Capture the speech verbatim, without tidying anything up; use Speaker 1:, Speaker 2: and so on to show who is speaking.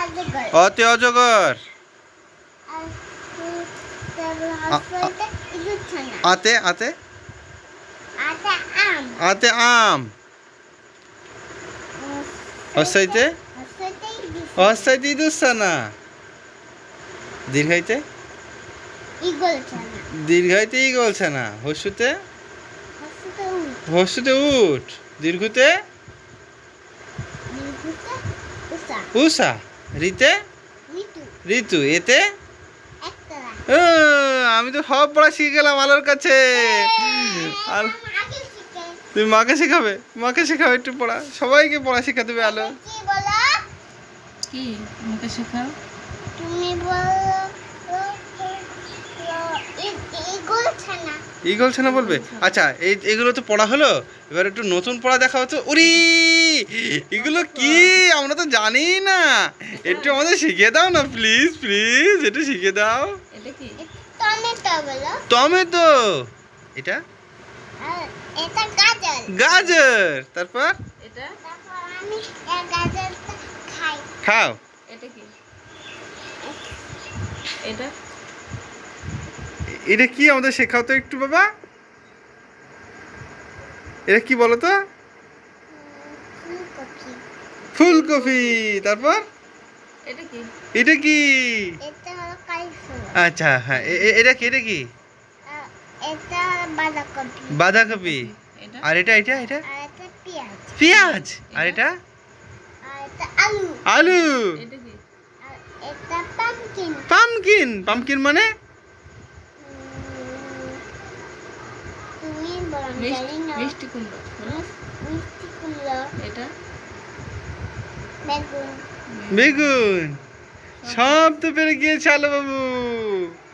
Speaker 1: অতে অজগর। আতে আতে আতে আম। হস্যাইতে হস্যাইতে ইঁদুরছানা। দীর্ঘাইতে দীর্ঘাইতে ঈগলছানা। হস্যুতে হস্যুতে উট। দীর্ঘতে উষা। রিতে ঋতু। এতে ও, আমি তো সব পড়া শিখে গেলাম আলোর কাছে। আর তুমি মাকে শেখাবে? মাকে শেখাবে একটু পড়া, সবাইকে পড়া শেখা দেবে আলো।
Speaker 2: কি আমাকে শেখাও?
Speaker 1: তুমি বলো ঈগলছানা বলবে। আচ্ছা, এই এগুলো তো পড়া হলো, এবার একটু নতুন পড়া দেখা হতো। উরি, এগুলো কি আমরা তো জানি না, একটু আমাদের শিখিয়ে দাও না প্লিজ প্লিজ, একটু শিখিয়ে দাও।
Speaker 2: এটা কি?
Speaker 1: টমেটো বলো। টমেটো। এটা এটা গাজর। গাজর। তারপর
Speaker 2: এটা
Speaker 1: তারপর আমি এই গাজরটা খাই। খাও।
Speaker 2: এটা কি? এটা
Speaker 1: এটা কি আমাদের শেখাও তো একটু বাবা। এটা কি বলো তো? ফুলকপি। তারপর
Speaker 2: এটা কি?
Speaker 1: এটা কি?
Speaker 2: এটা হলো কালিফ্লাওয়ার।
Speaker 1: আচ্ছা হ্যাঁ, এটা কি? এটা কি?
Speaker 2: এটা বাঁধাকপি।
Speaker 1: বাঁধাকপি।
Speaker 2: এটা
Speaker 1: আর এটা এটা এটা
Speaker 2: আর এটা পেঁয়াজ।
Speaker 1: পেঁয়াজ। আর এটা
Speaker 2: আর এটা আলু।
Speaker 1: আলু।
Speaker 2: এটা কি?
Speaker 1: আর
Speaker 2: এটা পামকিন।
Speaker 1: পামকিন। পামকিন মানে
Speaker 2: তুমি বলো, আমি জানি না। মিষ্টি কুমড়ো। মিষ্টি কুমড়ো। এটা বেগুন।
Speaker 1: বেগুন। সব তো পেরে গিয়েছে আলো বাবু।